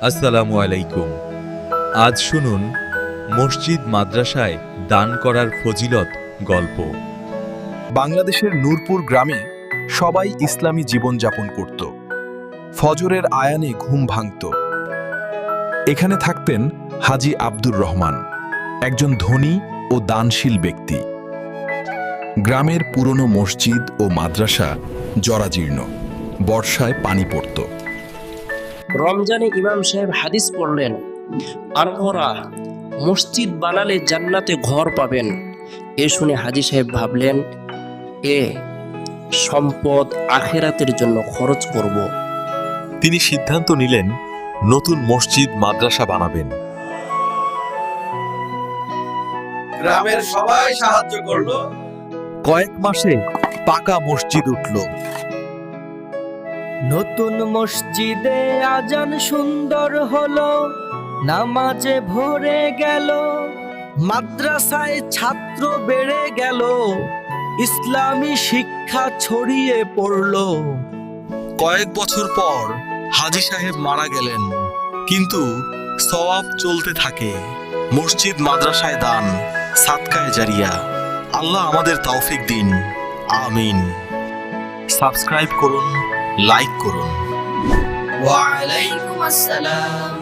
আসসালামু আলাইকুম। আজ শুনুন মসজিদ মাদ্রাসায় দান করার ফজিলত গল্প। বাংলাদেশের নূরপুর গ্রামে সবাই ইসলামী জীবনযাপন করত। ফজরের আয়ানে ঘুম ভাঙত। এখানে থাকতেন হাজী আব্দুর রহমান, একজন ধনী ও দানশীল ব্যক্তি। গ্রামের পুরনো মসজিদ ও মাদ্রাসা জরাজীর্ণ, বর্ষায় পানি পড়ত। রমজানে ইমাম সাহেব হাদিস পড়লেন, আপনারা মসজিদ বানালে জান্নাতে ঘর পাবেন। এ শুনে হাজী সাহেব ভাবলেন, সম্পদ আখেরাতের জন্য খরচ করব। তিনি সিদ্ধান্ত নিলেন নতুন মসজিদ মাদ্রাসা বানাবেন। গ্রামের সবাই সাহায্য করলো। কয়েক মাসে পাকা মসজিদ উঠল। নতুন মসজিদে আজান সুন্দর হলো, নামাজে ভরে গেল, মাদ্রাসায় ছাত্র বেড়ে গেল, ইসলামী শিক্ষা ছড়িয়ে পড়ল। কয়েক বছর পর হাজী সাহেব মারা গেলেন, কিন্তু সওয়াব চলতে থাকে। মসজিদ মাদ্রাসায় দান, সাদকায়ে জারিয়া। আল্লাহ আমাদের তৌফিক দিন, আমিন। সাবস্ক্রাইব করুন, লাইক করুন। ওয়া আলাইকুম আসসালাম।